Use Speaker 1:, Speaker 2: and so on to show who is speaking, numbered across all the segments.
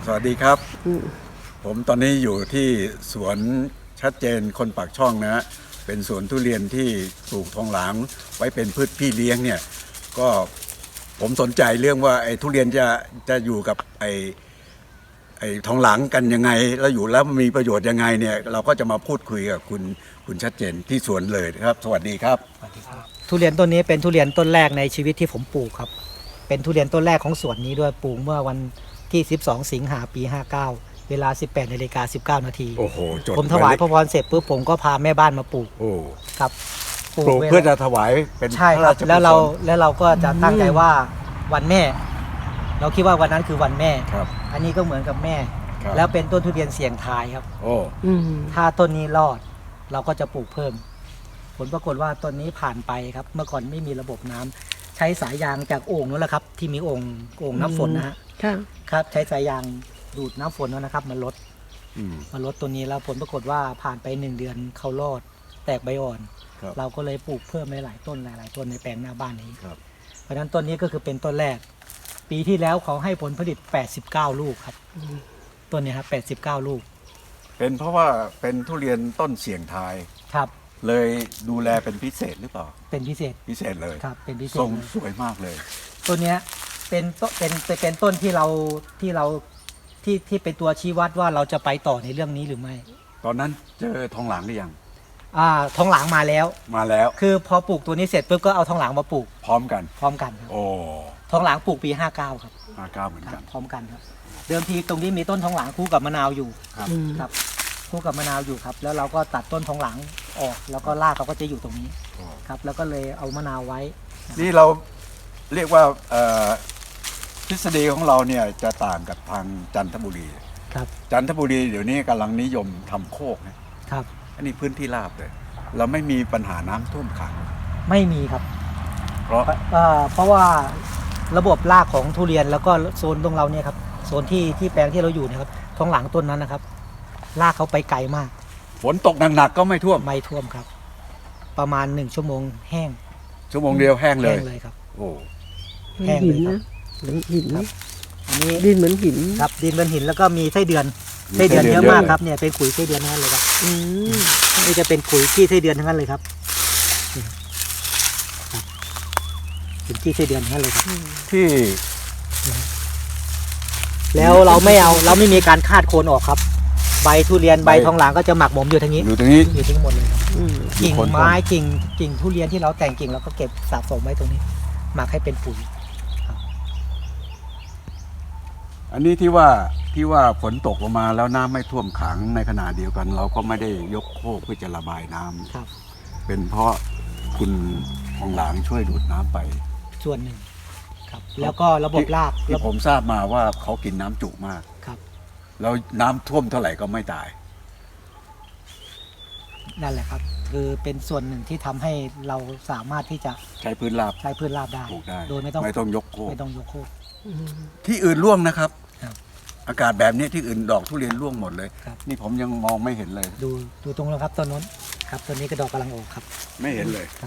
Speaker 1: สวัสดีครับผมตอนนี้อยู่ที่สวนชัดเจนคนปากช่องนะฮะเป็นสวนทุเรียนที่ปลูกทองหลางไว้เป็นพืชพี่เลี้ยงเนี่ยก็ผมสนใจเรื่องว่าไอ้ทุเรียนจะอยู่กับไอ้ทองหลางกันยังไงแล้วอยู่แล้วมีประโยชน์ยังไงเนี่ยเราก็จะมาพูดคุยกับคุณชัดเจนที่สวนเลยครับสวัสดีครับ
Speaker 2: ทุเรียนต้นนี้เป็นทุเรียนต้นแรกในชีวิตที่ผมปลูกครับเป็นทุเรียนต้นแรกของสวนนี้ด้วยปลูกเมื่อวันที่12 สิงหาปี 59 เวลา 18:19 นาที
Speaker 1: โอ้โหจด
Speaker 2: ผมถวายพระพรเสร็จปุ๊บผมก็พาแม่บ้านมาปลูก
Speaker 1: โอ้
Speaker 2: ครับ
Speaker 1: ปลูกเพื่อจะถวายเป็น
Speaker 2: ใช่ครับแล้วเราก็จะตั้งใจว่าวันแม่เราคิดว่าวันนั้นคือวันแม่
Speaker 1: ครับ
Speaker 2: อันนี้ก็เหมือนกับแม่แล้วเป็นต้นทุเรียนเสี่ยงทายครับ
Speaker 1: โอ้
Speaker 2: ถ้าต้นนี้รอดเราก็จะปลูกเพิ่มผลปรากฏว่าต้นนี้ผ่านไปครับเมื่อก่อนไม่มีระบบน้ำใช้สายยางจากโอ่งนั่นแหละครับที่มีโอ่งน้ำฝนนะฮะครับใช้สายยางดูดน้ำฝนนั่นนะครับมาลดตัวนี้แล้วผลปรากฏว่าผ่านไป1 เดือนเขารอดแตกใบอ่อนเราก็เลยปลูกเพิ่มหลายต้นหลายต้นในแปลงหน้าบ้านนี้เพราะฉะนั้นต้นนี้ก็คือเป็นต้นแรกปีที่แล้วเขาให้ผลผลิต89 ลูกครับต้นนี้ครับ89 ลูก
Speaker 1: เป็นเพราะว่าเป็นทุเรียนต้นเสี่ยงทาย
Speaker 2: ครับ
Speaker 1: เลยดูแลเป็นพิเศษหรือเปล่า
Speaker 2: เป็นพิเศษ
Speaker 1: เลย
Speaker 2: ครับเป็นพิเศษ
Speaker 1: ทรงสวยมากเลย
Speaker 2: ต้นนี้เป็นต้นที่เป็นตัวชี้วัดว่าเราจะไปต่อในเรื่องนี้หรือไม่
Speaker 1: ตอนนั้นเจอทองหลางหรือยัง
Speaker 2: ทองหลางมาแล้วคือพอปลูกตัวนี้เสร็จปุ๊บก็เอาทองหลางมาปลูก
Speaker 1: พร้อมกัน
Speaker 2: ครับ
Speaker 1: โอ้
Speaker 2: ทองหลางปลูกปี59ครับ
Speaker 1: 59เหมือนกัน
Speaker 2: พร้อมกันครับเดิมทีตรงนี้มีต้นทองหลางคู่กับมะนาวอยู่ครับคู่กับมะนาวอยู่ครับแล้วเราก็ตัดต้นทองหลางออกแล้วก็รากเขาก็จะอยู่ตรงนี้ครับแล้วก็เลยเอามะนาวไว้
Speaker 1: นี่เราเรียกว่าทฤษฎีของเราเนี่ยจะต่างกับทางจันทบุรี
Speaker 2: ครับ
Speaker 1: จันทบุรีเดี๋ยวนี้กำลังนิยมทำโคกนะครับอันนี้พื้นที่ราบเลยเราไม่มีปัญหาน้ำท่วมขัง
Speaker 2: ไม่มีครับ
Speaker 1: เพ
Speaker 2: ราะว่าระบบรากของทุเรียนแล้วก็โซนตรงเราเนี่ยครับโซนที่แปลงที่เราอยู่นะครับทองหลางต้นนั้นนะครับรากเขาไปไกลมาก
Speaker 1: ฝนตกหนักๆก็ไม่ท่ว
Speaker 2: มครับประมาณ1 ชั่วโมงแห้ง
Speaker 1: ชั่วโมงเดียวแห้งเลย
Speaker 2: ครับ
Speaker 1: โอ้
Speaker 2: แห้งเลยครับ
Speaker 3: เหมือนหิน
Speaker 2: อันนี้
Speaker 3: ดินเหมือนหิน
Speaker 2: ครับดินเหมือนหินแล้วก็มีไส้เดือนเยอะมากครับเนี่ยเป็นขุยไส้เดือนทั้งนั้นเลยครับนี่จะเป็นขุยขี้ไส้เดือนทั้งนั้นเลยครับเป็นขี้ไส้เดือนทั้งนั้นเลยครับ
Speaker 1: ที่
Speaker 2: แล้วเราไม่มีการคาดโคนออกครับใบทุเรียนใบทองหลางก็จะหมักหมมอยู่ทางนี้อยู่ทั้งหมดเลยครับกิ่งไม้กิ่งทุเรียนที่เราแต่งกิ่งเราก็เก็บสะสมไว้ตรงนี้หมักให้เป็นปุ๋ย
Speaker 1: อันนี้ที่ว่าฝนตกลงมาแล้วน้ำไม่ท่วมขังในขณะเดียวกันเราก็ไม่ได้ยกโคกเพื่อจะระบายน้ำ
Speaker 2: ครับ
Speaker 1: เป็นเพราะคุณทองหลางช่วยดูดน้ำไป
Speaker 2: ส่วนหนึ่งครับแล้วก็ระบบราก
Speaker 1: ที่ผมทราบมาว่าเขากินน้ำจุมาก
Speaker 2: ครับ
Speaker 1: แล้วน้ำท่วมเท่าไหร่ก็ไม่ตาย
Speaker 2: นั่นแหละครับคือเป็นส่วนหนึ่งที่ทำให้เราสามารถที่จะ
Speaker 1: ใช้พื้นราบ
Speaker 2: ได้
Speaker 1: ปลูกได้
Speaker 2: โดยไม่ต้อง
Speaker 1: ยกโคก
Speaker 2: ที่
Speaker 1: อื่นร่วงนะครับอากาศแบบนี้ที่อื่นดอกทุเรียนร่วงหมดเลยนี่ผมยังมองไม่เห็นเลย
Speaker 2: ดูตรงนั้นครับต้นนู้นครับต้นนี้ก็ดอกกำลังออกครับ
Speaker 1: ไม่เห็นเลย
Speaker 2: ครับ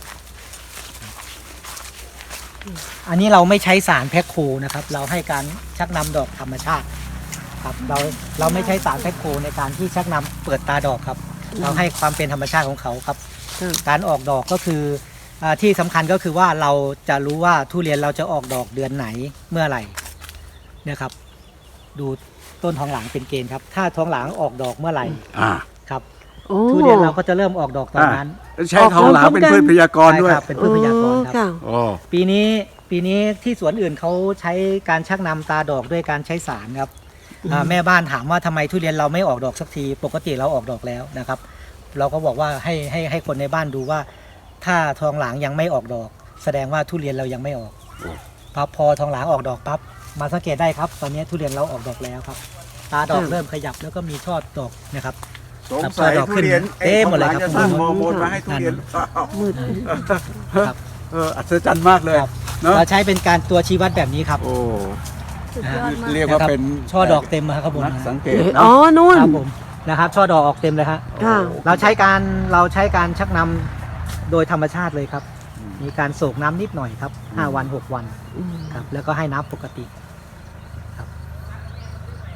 Speaker 2: อันนี้เราไม่ใช้สารแพ็คโคนะครับเราให้การชักนำดอกธรรมชาติครับเราไม่ใช้สารแพ็คโคในการที่ชักนำเปิดตาดอกครับเราให้ความเป็นธรรมชาติของเขาครับการออกดอกก็คือที่สำคัญก็คือว่าเราจะรู้ว่าทุเรียนเราจะออกดอกเดือนไหนเมื่อไหร่เนี่ยครับดูต้นทองหลางเป็นเกณฑ์ครับถ้าทองหลางออกดอกเมื่อไหร่ครับทุเรียนเราก็จะเริ่มออกดอกตอนนั้น
Speaker 1: ใช้ทองหลางเป็นพืชพยากรณ์ด้วย
Speaker 2: เป็นพืชพยากรณ์ครับปีนี้ที่สวนอื่นเขาใช้การชักนำตาดอกด้วยการใช้สารครับแม่บ้านถามว่าทำไมทุเรียนเราไม่ออกดอกสักทีปกติเราออกดอกแล้วนะครับเราก็บอกว่าให้คนในบ้านดูว่าถ้าทองหลางยังไม่ออกดอกแสดงว่าทุเรียนเรายังไม่ออกพอทองหลางออกดอกปั๊บมาสังเกตได้ครับตอนนี้ทุเรียนเราออกดอกแล้วครับตาดอกเริ่มขยับแล้วก็มีช่อดอกนะครับ
Speaker 1: สงสัยทุเรียน
Speaker 2: หมดเลยครับ
Speaker 1: จะสร้างฮอร์โมนมาให้ทุเรียน
Speaker 3: มืด
Speaker 1: ครับอัศจรรย์มากเลย
Speaker 2: เราใช้เป็นการตัวชี้วัดแบบนี้ครับ
Speaker 1: โอ้เรียกว่าเป็น
Speaker 2: ช่อดอกเต็มครับผม
Speaker 1: สังเกต
Speaker 3: นู่น
Speaker 2: ครับผมนะครับช่อดอกออกเต็มเลยฮะเราใช้การชักนำโดยธรรมชาติเลยครับมีการโศกน้ำนิดหน่อยครับ5 วัน 6 วันครับแล้วก็ให้น้ำปกติครับ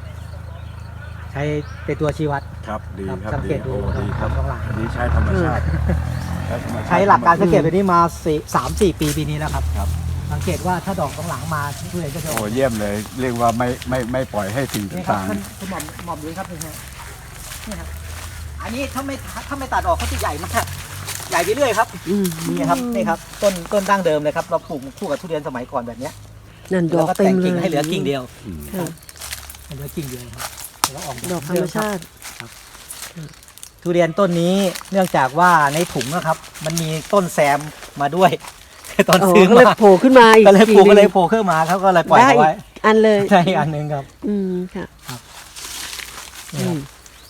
Speaker 2: ใช้เป็นตัวชี้วัด
Speaker 1: ครับดีครับ
Speaker 2: สังเกตดู
Speaker 1: โอ้ดีครับ
Speaker 2: ทองหลาง
Speaker 1: อันนี้ใช้ธรรมชาติธรรมชาติ
Speaker 2: ใช้หลักการสังเกตแบบนี้มา3-4 ปีนี้แล้วครับ
Speaker 1: ครับ
Speaker 2: สังเกตว่าถ้าดอกทองหลางมาทุเรียนก็จะอ
Speaker 1: โอ้
Speaker 2: อก
Speaker 1: เยี่ยมเลย เรียกว่าไม่ปล่อยให้สิ่ง
Speaker 2: นี่ครับ
Speaker 1: ต่าง
Speaker 2: คุณหม่อมดูครับนี่ครับอันนี้ถ้าไม่ตัดออกเขาจะใหญ่มากใหญ่ไปเรื่อยครับ นี่ครับนี่ครับต้นดั้งเดิมเลยครับเราปลูกคู่กับทุเรียนสมัยก่อนแบบเนี้ย
Speaker 3: นั่นด
Speaker 2: แล้
Speaker 3: อ
Speaker 2: ว
Speaker 3: ก
Speaker 2: ก็
Speaker 3: เต็
Speaker 2: แต่
Speaker 3: ม
Speaker 2: ง
Speaker 3: เล
Speaker 2: กิ่ง
Speaker 3: ย
Speaker 2: ให้เหลือกิ่งเดียว
Speaker 3: ค่ะ
Speaker 2: ให้เหลือกิ่งเดียวครับแล้วออก
Speaker 3: ดอกธรรมชาติ
Speaker 2: ทุเรียนต้นนี้เนื่องจากว่าในถุงนะครับ มันมีต้นแซมมาด้วย ตอน
Speaker 3: อ๋อ
Speaker 2: ซื้อ
Speaker 3: ก็เลย
Speaker 2: มา
Speaker 3: โผล่ขึ้นมาอีก
Speaker 2: ก็เลยปลูก
Speaker 3: ที
Speaker 2: ก็
Speaker 3: ห
Speaker 2: เล
Speaker 3: นึ่
Speaker 2: ย
Speaker 3: ง
Speaker 2: โผล่ขึ้นมาเขาก็เลยปล่อย
Speaker 3: ได้
Speaker 2: เอา
Speaker 3: อี
Speaker 2: ไว้
Speaker 3: กอันเลย
Speaker 2: ใช่อันหนึงครับ
Speaker 3: ค่ะ
Speaker 2: นี่ครับ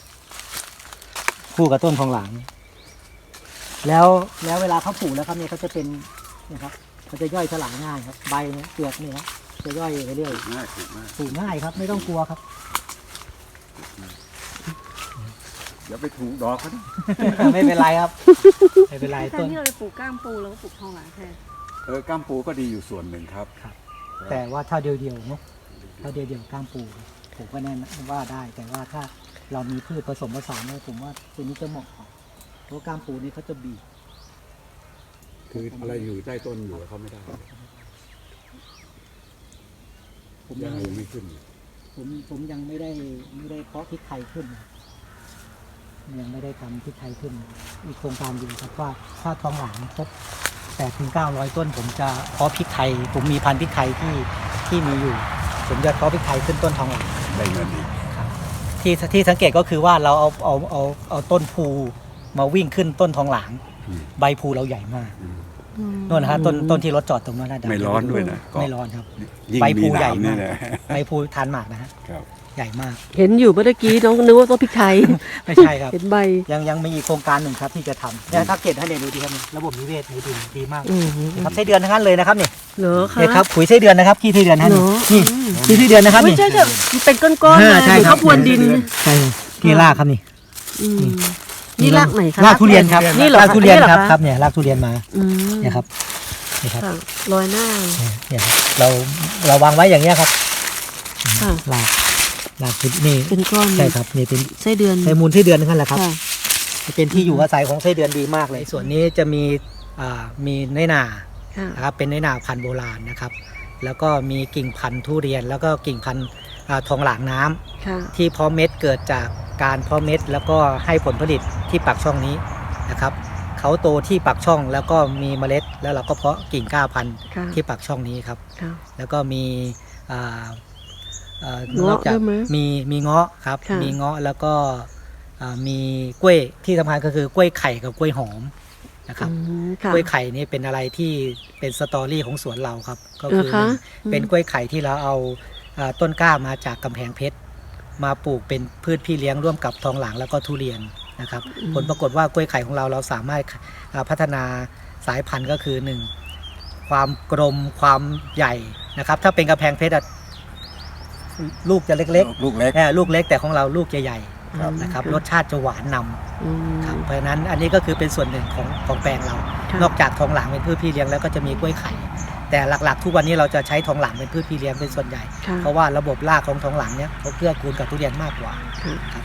Speaker 2: คู่กับต้นทองหลางแล้วเวลาเขาปลูกแล้วครับเนี่ยเขาจะเป็นเนี่ยครับเขาจะย่อยสลายง่ายครับใบเนี่ยเปลือกเนี่ยครับจะย่อยไปเรื่อย
Speaker 1: ๆง่ายถูกมาก
Speaker 2: ปลูกง่ายครับ ไม่ต้องกลัวครับ
Speaker 1: เดี๋ยวไปถูกดอกเขาดิ
Speaker 2: ไม่เป็นไรครับไม่เป็นไร
Speaker 4: แท
Speaker 2: ต้
Speaker 4: น
Speaker 2: น
Speaker 4: ที่เราจะปลูกก้ามปูเราก็ปลูกทองหลางแทน
Speaker 1: ก้ามปูก็ดีอยู่ส่วนหนึ่งครับ
Speaker 2: แต่ว่าถ้าเดียวๆเนาะถ้าเดียวๆก้ามปูผมก็แน่นว่าได้ แต่ว่าถ้าเรามีพืชผสมผสานเนี่ยผมว่าตัวนี้จะเหมาะกว่าเพราะก้ามปูนี่เขาจะบีบ
Speaker 1: คืออะไรอยู่ใต้ต้นอยู่เขาไม่ได้
Speaker 2: ผม
Speaker 1: ยั
Speaker 2: ยัง ง
Speaker 1: ไม่ขึ้น
Speaker 2: ผมยังไม่ได้เพาะพริกไทยขึ้นนะยังไม่ได้ทำพริกไทยขึ้น อีกโครงการอยู่ครับว่าถ้าทองหลางครบ800-900 ต้น ผมจะเพาะพริกไทย ผมมีพันธุ์พริกไทยที่มีอยู่ ผมจะเพาะพริกไทยขึ้นต้นทองหลาง
Speaker 1: ได้เงินอีก
Speaker 2: ที่สังเกตก็คือว่าเราเอาต้นภูมาวิ่งขึ้นต้นทองหลาง ใบภูเราใหญ่มากนู่นนะฮะต้นที่รถจอดตรงนั้นนะ
Speaker 1: ไม่ร้อนด้วยนะก็
Speaker 2: ไม่ร้อนครับ
Speaker 1: ยิ่ง
Speaker 2: ใบ
Speaker 1: มี
Speaker 2: ภู
Speaker 1: ห
Speaker 2: ใหญ่
Speaker 1: นาวนี่
Speaker 2: มาก
Speaker 1: แหละ
Speaker 2: ใบภูทานหมากนะฮะ
Speaker 1: ครับ
Speaker 2: ใหญ่มาก
Speaker 3: เห็นอยู่เมื่อกี้น้องนึกว่าต้นพริกไทย
Speaker 2: ไม่ใช่ครับ
Speaker 3: เห็นใบ
Speaker 2: ยังมีอีกโครงการหนึ่งครับที่จะทำเนี่ยถ้าเกตให้เนี่ยดูดีครับนี่ระบบนิเวศในดินดีมาก
Speaker 3: อืม
Speaker 2: นะครับไส้เดือนทั้งนั้นเลยนะครับนี่
Speaker 3: เหรอคะ
Speaker 2: เนี่ยครับปุ๋ยไส้เดือนนะครับขี้ไส้เดือนนะ
Speaker 3: เหร
Speaker 2: นี่
Speaker 3: อ
Speaker 2: นี่ขี้ไส้เดือนนะครับ
Speaker 3: ไม่
Speaker 2: นี่
Speaker 3: ใช่แบบเป็นก้อนๆเลย
Speaker 2: ใช่
Speaker 3: เหมือน
Speaker 2: ครั
Speaker 3: ข้าวพรวนดิน
Speaker 2: ใช่ที่รากครับนี่
Speaker 3: อืมนี่รากไหนคะ
Speaker 2: รากทุเรียนครับ
Speaker 3: นี่เหรอ
Speaker 2: รากทุเรียน
Speaker 3: หอ
Speaker 2: ครับ
Speaker 3: ะ
Speaker 2: ครับเนี่ยรากทุเรียนมา
Speaker 3: อืม
Speaker 2: เนี่ยครับนี่ครับ
Speaker 3: ค่ะลอยหน้า
Speaker 2: เนี่ยครับเราวางไว้อย่างเงี้ยครับ
Speaker 3: ค่ะ
Speaker 2: รากนี่
Speaker 3: เป็นก้อน
Speaker 2: ใช่ครับนี่เป็น
Speaker 3: ไส้เดือน
Speaker 2: ไส้มูลไส้เดือนนั่นแหละครับ
Speaker 3: ค่ะ
Speaker 2: เป็นที่อยู่อาศัยของไส้เดือนดีมากเลย ส่วนนี้จะมีน้อยหนา
Speaker 3: ค่ะ
Speaker 2: นะครับเป็นน้อยหนาพันธุ์โบราณนะครับ แล้วก็มีกิ่งพันธุ์ทุเรียน แล้วก็กิ่งพันธุ์ทองหลางน้ำ
Speaker 3: ค่ะ
Speaker 2: ที่เพาะเม็ดเกิดจากการเพาะเม็ดแล้วก็ให้ผลผลิตที่ปากช่องนี้นะครับเขาโตที่ปากช่องแล้วก็มีเมล็ด แล้วเราก็เพาะกิ่งก้าพันธุ์
Speaker 3: ค่ะ
Speaker 2: ที่ปากช่องนี้ครับ
Speaker 3: ค่ะ
Speaker 2: แล้วก็มีอ่า
Speaker 3: เงาะ
Speaker 2: นอกจาก
Speaker 3: ด้วยไหม
Speaker 2: มีเงาะครับ
Speaker 3: ค่ะ
Speaker 2: มีเงาะแล้วก็มีกล้วยที่สำคัญก็คือกล้วยไข่กับกล้วยหอมนะครับ
Speaker 3: อืมค่ะ
Speaker 2: กล้วยไข่นี่เป็นอะไรที่เป็นสตอรี่ของสวนเราครับ ก็
Speaker 3: เหรอคะ
Speaker 2: เป็นกล้วยไข่ที่เราเอาต้นกล้ามาจากกำแพงเพชรมาปลูกเป็นพืชพี่เลี้ยงร่วมกับทองหลางแล้วก็ทุเรียนนะครับ ผลปรากฏว่ากล้วยไข่ของเราสามารถพัฒนาสายพันธุ์ก็คือ 1. ความกลมความใหญ่นะครับ ถ้าเป็นกำแพงเพชรอะลูกจะเล็ก
Speaker 1: ลูกเล็ก
Speaker 2: ลูกเล็กแต่ของเราลูกจะใหญ่
Speaker 1: ครับ
Speaker 2: นะครับรสชาติจะหวานนำ
Speaker 3: อืม
Speaker 2: ครับเพราะฉะนั้นอันนี้ก็คือเป็นส่วนหนึ่งของแปลงเรา
Speaker 3: ค่ะ
Speaker 2: นอกจากทองหลางเป็นพืชพี่เลี้ยงแล้วก็จะมีกล้วยไข่ แต่หลักๆ ทุกวันนี้เราจะใช้ทองหลางเป็นพืชพี่เลี้ยงเป็นส่วนใหญ่
Speaker 3: ค่ะ
Speaker 2: เพราะว่าระบบรากของทองหลางเนี่ยเขาเกื้อกูลกับทุเรียนมากกว่า
Speaker 3: ค่ะ
Speaker 2: ครับ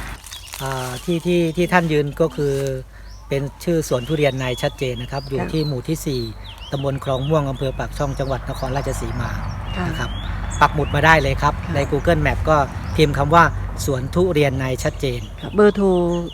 Speaker 2: ที่ท่านยืนก็คือเป็นชื่อสวนทุเรียนในชัดเจนนะครับ อยู่ที่หมู่ที่ 4ตำบลคลองม่วงอำเภอปากช่องจังหวัดนครราชสีมา
Speaker 3: ค่ะ
Speaker 2: นะครับปักหมุดมาได้เลยครับ
Speaker 3: ค่ะ
Speaker 2: ใน Google Map ก็พิมพ์คำว่าสวนทุเรียนในชัดเจน
Speaker 3: ค่ะเบอร์โทร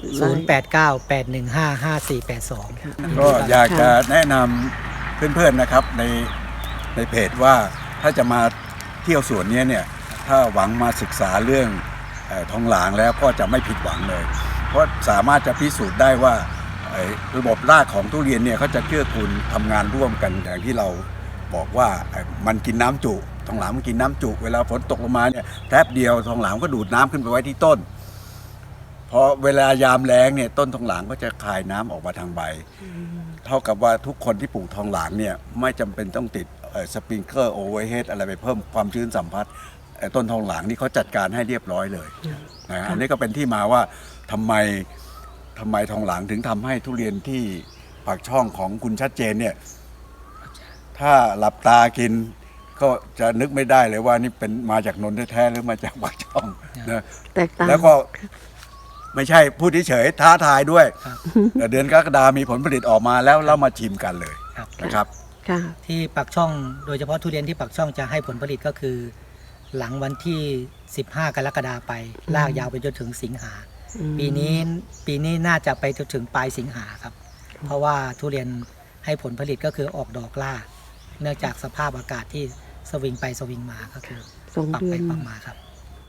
Speaker 2: 0898155482
Speaker 3: ค่ะ
Speaker 1: ก็อยากจะแนะนำเพื่อนๆนะครับในเพจว่าถ้าจะมาเที่ยวสวนนี้เนี่ยถ้าหวังมาศึกษาเรื่องทองหลางแล้วก็จะไม่ผิดหวังเลย เพราะสามารถจะพิสูจน์ได้ว่าระบบรากของทุเรียนเนี่ยเขาจะเกื้อกูลทำงานร่วมกันอย่างที่เราบอกว่ามันกินน้ำจุทองหลางมันกินน้ำจุเวลาฝนตกลงมาเนี่ยแป๊บเดียวทองหลางก็ดูดน้ำขึ้นไปไว้ที่ต้นพอเวลายามแล้งเนี่ยต้นทองหลางก็จะคายน้ำออกมาทางใบ เท่ากับว่าทุกคนที่ปลูกทองหลางเนี่ยไม่จำเป็นต้องติดสปริงเกอร์โอเวอร์เฮดอะไรไปเพิ่มความชื้นสัมผัสต้นทองหลางนี่เขาจัดการให้เรียบร้อยเลยนะอันนี้ก็เป็นที่มาว่าทำไมทองหลางถึงทำให้ทุเรียนที่ปากช่องของคุณชัดเจนเนี่ยถ้าหลับตากินก็จะนึกไม่ได้เลยว่านี่เป็นมาจากนนท์แท้ๆหรือมาจากปากช่องนะ
Speaker 3: แตกต่าง
Speaker 1: แล้วก็ไม่ใช่พูดเฉยๆท้าทายด้วย
Speaker 2: ครับ
Speaker 1: แต่เดือนกรกฎามีผลผลิตออกมาแล้วเรามาชิมกันเลย
Speaker 2: ครับ
Speaker 1: นะครับ
Speaker 3: ค่ะ
Speaker 2: ที่ปากช่องโดยเฉพาะทุเรียนที่ปากช่องจะให้ผลผลิตก็คือ หลังวันที่ 15 กรกฎาไป ลากยาวไปจนถึงสิงหา ปีนี้น่าจะไปจนถึงปลายสิงหาครับ เพราะว่าทุเรียนให้ผลผลิตก็คือออกดอกล่า เนื่องจากสภาพอากาศที่สวิงไปสวิงมาก็คือ
Speaker 3: สอง
Speaker 2: ปรับ
Speaker 3: เดื
Speaker 2: ไป
Speaker 3: อน
Speaker 2: ปรับมาครับ